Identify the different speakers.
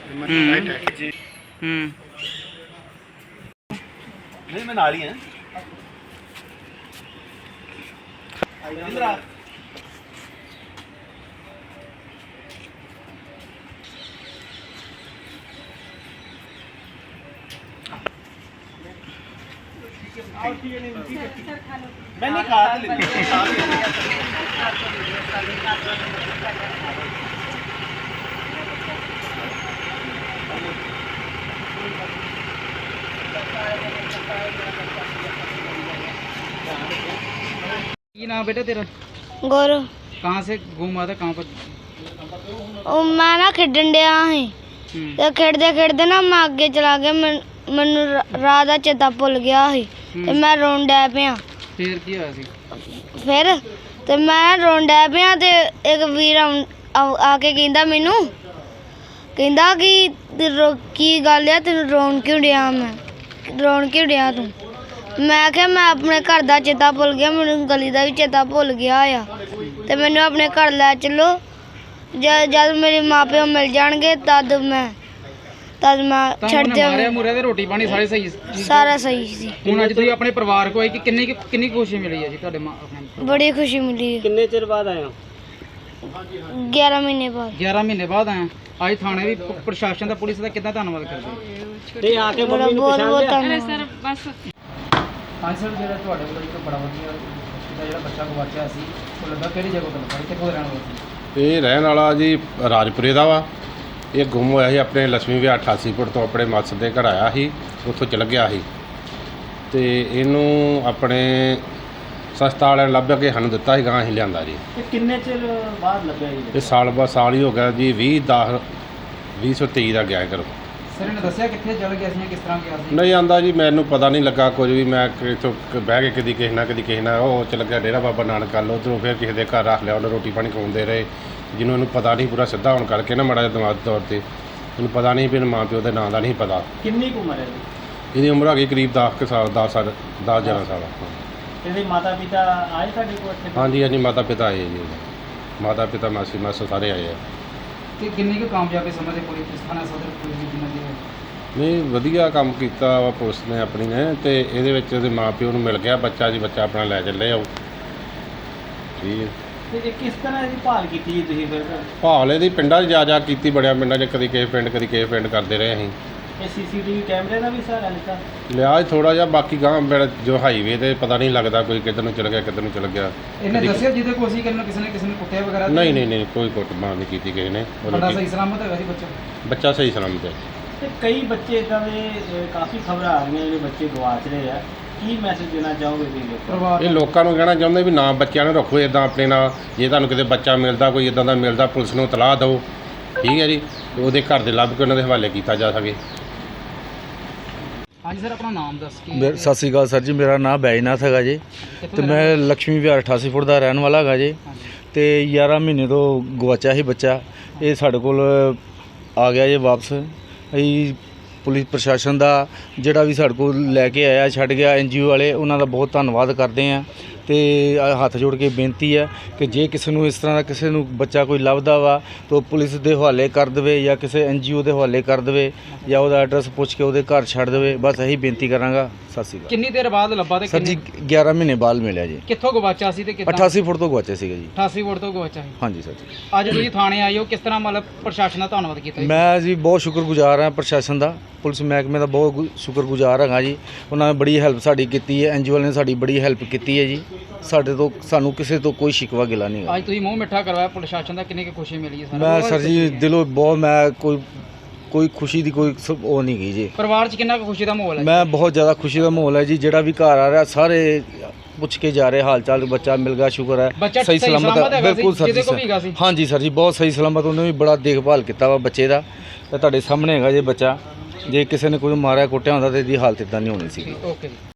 Speaker 1: नहीं मैं नाली है इधर आ मैं नहीं खा
Speaker 2: नाम बेटा तेरा?
Speaker 3: गौरव।
Speaker 2: कहाँ से घूमा था, कहाँ पर?
Speaker 3: मैं ना खेडन डया ही ते खेडदे खेडदे ना मैं अगे चला गया, मैनू राह दा चेता भुल गया ही ते मैं रोन डै पिया।
Speaker 2: फिर की होया सी?
Speaker 3: फिर ते मैं रोन डै पिया ते एक वीर आके कहंदा मैनू, कहंदा कि की गल है तेन रोन क्यों डया? मैं रोन क्यों डया तू? मैं आख्या मैं अपने घर दा चेता भुल गया, मैनू गली दा भी चेता भुल गया आ ते मैनू अपने घर लै चलो। जब मेरे माँ प्यो मिल जाएंगे तद मैं छड़
Speaker 2: मारे मुरे ते रोटी पानी सारे सही?
Speaker 3: सारा सही सी।
Speaker 2: हुण अज तुसीं अपने परिवार को आई कि किन्नी खुशी मिली है जी तुहाडे अपने?
Speaker 3: बड़ी खुशी मिली।
Speaker 1: कितने चिर बाद आए हो?
Speaker 3: 11 महीने बाद।
Speaker 2: 11 महीने बाद आए। आज थाने भी प्रशासन दा पुलिस दा कितना धन्नवाद करदे?
Speaker 1: ते आके मम्मी नूं पहचान लिया?
Speaker 3: सर बस
Speaker 2: हाँ सर, जो ਤੁਹਾਡੇ ਕੋਲ ਇੱਕ ਬੜਾ ਵਧੀਆ ਦਾ ਜਿਹੜਾ ਬੱਚਾ ਗਵਾਚਿਆ ਸੀ ਉਹ ਲੱਗਾ ਕਿਹੜੀ ਜਗ੍ਹਾ ਤੋਂ ਲੱਗਾ, ਕਿੱਥੋਂ ਰਹਿਣ ਵਾਲਾ ਸੀ?
Speaker 4: ਇਹ ਰਹਿਣ ਵਾਲਾ ਜੀ ਰਾਜਪੁਰੇ ਦਾ ਵਾ। ਇਹ ਗੁੰਮ ਹੋਇਆ ਸੀ ਆਪਣੇ ਲక్ష్ਮੀ ਵਿਆਹ 88 ਫੁੱਟ ਤੋਂ ਆਪਣੇ ਮਾਸੜ ਦੇ ਘਰ ਆਇਆ ਸੀ, ਉੱਥੋਂ ਚਲ ਗਿਆ ਸੀ ਤੇ ਇਹਨੂੰ ਆਪਣੇ ਸਸਤਾ ਵਾਲਿਆਂ ਨੇ ਲੱਭ ਕੇ ਸਾਨੂੰ ਦਿੱਤਾ ਸੀ, ਗਾਂ ਅਸੀਂ ਲਿਆਂਦਾ ਜੀ।
Speaker 1: ਤੇ ਕਿੰਨੇ ਚਿਰ ਬਾਅਦ ਲੱਭਿਆ ਜੀ?
Speaker 4: ਇਹ ਸਾਲ ਬਾਅਦ ਸਾਲ ਹੀ ਹੋ ਗਿਆ ਜੀ, 2023 ਦਾ ਗਿਆ ਘਰੋਂ।
Speaker 2: ਸਰ ਇਹਨੇ ਦੱਸਿਆ ਕਿੱਥੇ ਚਲ ਗਿਆ ਸੀ ਜਾਂ ਕਿਸ ਤਰ੍ਹਾਂ ਗਿਆ ਸੀ?
Speaker 4: ਨਹੀਂ ਆਂਦਾ ਜੀ, ਮੈਨੂੰ ਪਤਾ ਨਹੀਂ ਲੱਗਾ ਕੁਝ ਵੀ। ਮੈਂ ਇੱਥੋਂ ਬਹਿ ਕੇ ਕਦੀ ਕਿਸੇ ਨਾਲ ਉਹ ਚਲ ਗਿਆ ਡੇਰਾ ਬਾਬਾ ਨਾਨਕ ਵੱਲ, ਉੱਧਰੋਂ ਫਿਰ ਕਿਸੇ ਦੇ ਘਰ ਰੱਖ ਲਿਆ, ਉਹਨੇ ਰੋਟੀ ਪਾਣੀ ਖਵਾਉਂਦੇ ਰਹੇ। ਜਿਹਨੂੰ ਇਹਨੂੰ ਪਤਾ ਨਹੀਂ ਪੂਰਾ ਸਿੱਧਾ ਹੋਣ ਕਰਕੇ ਨਾ ਮਾੜਾ ਜਿਹਾ ਦਿਮਾਗ ਤੌਰ 'ਤੇ ਇਹਨੂੰ ਪਤਾ ਨਹੀਂ ਵੀ ਇਹਨੂੰ ਮਾਂ ਪਿਓ ਦੇ ਨਾਂ ਦਾ ਨਹੀਂ ਪਤਾ।
Speaker 1: ਕਿੰਨੀ ਕੁ ਉਮਰ ਹੈ ਜੀ?
Speaker 4: ਇਹਦੀ ਉਮਰ ਹੈਗੀ ਕਰੀਬ 10 ਸਾਲ 11 ਸਾਲ।
Speaker 1: ਇਹਦੇ ਮਾਤਾ ਪਿਤਾ ਆਏ ਤੁਹਾਡੇ ਕੋਲ ਇੱਥੇ?
Speaker 4: ਹਾਂਜੀ ਹਾਂਜੀ, ਮਾਤਾ ਪਿਤਾ ਆਏ ਜੀ, ਮਾਤਾ ਪਿਤਾ ਮਾਸੀ ਮਾਸਾ ਸਾਰੇ ਆਏ ਆ।
Speaker 2: ਕਿ ਕਿੰਨੀ ਕੁ ਕਾਮਯਾਬੀ ਸਮਝਦੇ ਪੁਲਿਸ ਥਾਣਾ ਸਦਰ ਪੁਲਿਸ ਦੀ ਕਿੰਨਾ ਦੀ?
Speaker 4: ਨਹੀਂ ਵਧੀਆ ਕੰਮ ਕੀਤਾ ਵਾ ਪੁਲਿਸ ਨੇ ਆਪਣੀ ਨੇ, ਤੇ ਇਹਦੇ ਵਿੱਚ ਉਹਦੇ ਮਾਂ ਪਿਓ ਨੂੰ ਮਿਲ ਗਿਆ ਬੱਚਾ ਜੀ, ਬੱਚਾ ਆਪਣਾ ਲੈ ਚੱਲੇ ਆਓ। ਠੀਕ ਹੈ।
Speaker 1: ਤੇ ਕਿਸ ਤਰ੍ਹਾਂ ਇਹਦੀ ਭਾਲ ਕੀਤੀ ਜੀ ਤੁਸੀਂ ਫਿਰ?
Speaker 4: ਭਾਲ ਇਹਦੀ ਪਿੰਡਾਂ 'ਚ ਜਾ ਕੀਤੀ, ਬੜਿਆ ਪਿੰਡਾਂ 'ਚ, ਕਦੀ ਕਿਸੇ ਪਿੰਡ ਕਦੀ ਕਿਸੇ ਪਿੰਡ ਕਰਦੇ ਰਹੇ ਅਸੀਂ।
Speaker 1: ਇਹ ਸੀਸੀਟੀਵੀ ਕੈਮਰੇ ਦਾ ਵੀ ਸਹਾਰਾ ਲਿੱਤਾ?
Speaker 4: ਲਿਆ ਥੋੜਾ ਜਿਹਾ, ਬਾਕੀ ਗਾਂ ਜੋ ਹਾਈਵੇ ਤੇ ਪਤਾ ਨਹੀਂ ਲੱਗਦਾ ਕੋਈ ਕਿੱਧਰ ਨੂੰ ਚਲ ਗਿਆ ਕਿੱਧਰ ਨੂੰ ਚਲ ਗਿਆ।
Speaker 2: ਇਹਨੇ ਦੱਸਿਆ ਜਿਹਦੇ ਕੋਲ ਸੀ ਕਿ ਕਿਸੇ ਨੇ ਕੁੱਟਿਆ ਵਗੈਰਾ?
Speaker 4: ਨਹੀਂ ਕੋਈ ਕੁੱਟਮਾਰ ਨਹੀਂ ਕੀਤੀ ਕਿਸੇ ਨੇ।
Speaker 2: ਬੜਾ ਸਹੀ ਸਲਾਮਤ ਹੈਗਾ ਜੀ
Speaker 4: ਬੱਚਾ ਸਹੀ ਸਲਾਮਤ ਹੈ।
Speaker 1: ਤੇ ਕਈ ਬੱਚੇ ਇਦਾਂ ਦੇ ਕਾਫੀ ਖਬਰਾਂ ਆ ਰਹੀਆਂ ਜਿਹੜੇ ਬੱਚੇ ਗਵਾਚ ਰਹੇ ਆ, ਕੀ ਮੈਸੇਜ ਦੇਣਾ ਚਾਹੋਗੇ ਤੁਸੀਂ ਲੋਕਾਂ ਨੂੰ?
Speaker 4: ਇਹ ਲੋਕਾਂ ਨੂੰ ਕਹਿਣਾ ਚਾਹੁੰਦੇ ਵੀ ਨਾ ਬੱਚਿਆਂ ਨੂੰ ਰੱਖੋ ਇਦਾਂ ਆਪਣੇ ਨਾਲ। ਜੇ ਤੁਹਾਨੂੰ ਕਿਤੇ ਬੱਚਾ ਮਿਲਦਾ, ਕੋਈ ਇਦਾਂ ਦਾ ਮਿਲਦਾ, ਪੁਲਿਸ ਨੂੰ ਇਤਲਾਹ ਦਿਓ। ਠੀਕ ਹੈ ਜੀ, ਉਹਦੇ ਘਰ ਦੇ ਲੱਭ ਕੇ ਉਹਨਾਂ ਦੇ ਹਵਾਲੇ ਕੀਤਾ ਜਾ ਸਕੇ।
Speaker 2: ਹਾਂਜੀ ਸਰ, ਆਪਣਾ ਨਾਮ ਦੱਸ ਕੇ।
Speaker 5: ਸਤਿ ਸ਼੍ਰੀ ਅਕਾਲ ਸਰ ਜੀ, ਮੇਰਾ ਨਾਮ ਬੈਜਨਾਥ ਹੈਗਾ ਜੀ ਤੇ ਮੈਂ ਲక్ష్ਮੀ ਵਿਹਾਰ 88 ਫੁੱਟ ਦਾ ਰਹਿਣ ਵਾਲਾ ਹੈਗਾ ਜੀ। ਤੇ 11 ਮਹੀਨੇ ਤੋਂ ਗਵਾਚਿਆ ਸੀ ਬੱਚਾ, ਇਹ ਸਾਡੇ ਕੋਲ ਆ ਗਿਆ ਜੀ ਵਾਪਸ। ਅਸੀਂ ਪੁਲਿਸ ਪ੍ਰਸ਼ਾਸਨ ਦਾ ਜਿਹੜਾ ਵੀ ਸਾਡੇ ਕੋਲ ਲੈ ਕੇ ਆਇਆ, ਛੱਡ ਗਿਆ, NGO ਵਾਲੇ, ਉਹਨਾਂ ਦਾ ਬਹੁਤ ਧੰਨਵਾਦ ਕਰਦੇ ਹਾਂ। ਤੇ ਹੱਥ ਜੋੜ ਕੇ ਬੇਨਤੀ ਹੈ ਕਿ ਜੇ ਕਿਸੇ ਨੂੰ ਇਸ ਤਰ੍ਹਾਂ ਦਾ ਕਿਸੇ ਨੂੰ ਬੱਚਾ ਕੋਈ ਲੱਭਦਾ ਵਾ ਤਾਂ ਪੁਲਿਸ ਦੇ ਹਵਾਲੇ ਕਰ ਦੇਵੇ ਜਾਂ ਕਿਸੇ NGO ਦੇ ਹਵਾਲੇ ਕਰ ਦੇਵੇ ਜਾਂ ਉਹਦਾ ਐਡਰੈਸ ਪੁੱਛ ਕੇ ਉਹਦੇ ਘਰ ਛੱਡ ਦੇਵੇ। ਬਸ ਇਹੀ ਬੇਨਤੀ ਕਰਾਂਗਾ। ਸਤਿ ਸ਼੍ਰੀ ਅਕਾਲ।
Speaker 2: ਕਿੰਨੀ ਦੇਰ ਬਾਅਦ ਲੱਭਾ ਤੇ
Speaker 5: ਸਰ ਜੀ 11 ਮਹੀਨੇ ਬਾਅਦ ਮਿਲਿਆ ਜੀ।
Speaker 2: ਕਿੱਥੋਂ ਗਵਾਚਿਆ ਸੀ ਤੇ ਕਿੱਦਾਂ?
Speaker 5: 88 ਫੁੱਟ ਤੋਂ ਗਵਾਚਿਆ ਸੀਗਾ ਜੀ।
Speaker 2: 88 ਫੁੱਟ ਤੋਂ ਗਵਾਚਿਆ ਸੀ।
Speaker 5: ਹਾਂਜੀ ਸਰ ਜੀ।
Speaker 2: ਅੱਜ ਤੁਸੀਂ ਥਾਣੇ ਆਏ ਹੋ, ਕਿਸ ਤਰ੍ਹਾਂ ਮਤਲਬ ਪ੍ਰਸ਼ਾਸਨ ਦਾ ਧੰਨਵਾਦ ਕੀਤਾ ਜੀ? ਮੈਂ
Speaker 5: ਜੀ ਬਹੁਤ ਸ਼ੁਕਰਗੁਜ਼ਾਰ ਹਾਂ ਪ੍ਰਸ਼ਾਸਨ ਦਾ, ਪੁਲਿਸ ਮਹਿਕਮੇ ਦਾ ਬਹੁਤ ਸ਼ੁਕਰਗੁਜ਼ਾਰ ਹੈਗਾ ਜੀ। ਉਹਨਾਂ ਨੇ ਬੜੀ ਹੈਲਪ ਸਾਡੀ ਕੀਤੀ ਹੈ, NGO ਨੇ ਸਾਡੀ ਬੜੀ ਹੈਲਪ ਕੀਤੀ ਹੈ ਜੀ। ਸਾਨੂੰ ਕਿਸੇ ਤੋਂ ਕੋਈ ਸ਼ਿਕਵਾ ਗਿਲਾ ਨਹੀਂ ਹੈ।
Speaker 2: ਅੱਜ ਤੁਸੀਂ ਮੂੰਹ ਮਿੱਠਾ ਕਰਵਾਇਆ ਪ੍ਰਸ਼ਾਸਨ ਦਾ, ਕਿੰਨੀ ਕੁ ਖੁਸ਼ੀ ਮਿਲੀ ਹੈ?
Speaker 5: ਮੈਂ ਸਰ ਜੀ ਦਿਲੋਂ ਬਹੁਤ, ਮੈਂ ਕੋਈ ਖੁਸ਼ੀ ਦੀ ਕੋਈ ਉਹ ਨਹੀਂ ਗਈ ਜੀ।
Speaker 2: ਪਰਿਵਾਰ 'ਚ ਕਿੰਨਾ ਕੁ ਖੁਸ਼ੀ ਦਾ ਮਾਹੌਲ ਹੈ? ਮੈਂ
Speaker 5: ਬਹੁਤ ਜ਼ਿਆਦਾ ਖੁਸ਼ੀ ਦਾ ਮਾਹੌਲ ਹੈ ਜੀ। ਜਿਹੜਾ ਵੀ ਘਰ ਆ ਰਿਹਾ ਸਾਰੇ ਪੁੱਛ ਕੇ ਜਾ ਰਹੇ ਹਾਲ ਚਾਲ, ਬੱਚਾ ਮਿਲ ਗਿਆ, ਸ਼ੁਕਰ ਹੈ, ਸਹੀ ਸਲਾਮਤ ਹੈ। ਬਿਲਕੁਲ ਸਰ ਜੀ, ਹਾਂਜੀ ਸਰ ਜੀ, ਬਹੁਤ ਸਹੀ ਸਲਾਮਤ। ਉਹਨੇ ਵੀ ਬੜਾ ਦੇਖਭਾਲ ਕੀਤਾ ਵਾ ਬੱਚੇ ਦਾ, ਤੇ ਤੁਹਾਡੇ ਸਾਹਮਣੇ ਹੈਗਾ ਜੇ ਬੱਚਾ। ਜੇ ਕਿਸੇ ਨੇ ਕੋਈ ਮਾਰਿਆ ਕੁੱਟਿਆ ਹੁੰਦਾ ਤਾਂ ਇਹਦੀ ਹਾਲਤ ਇਦਾਂ ਨਹੀਂ ਹੋਣੀ ਸੀ।
Speaker 2: ਓਕੇ।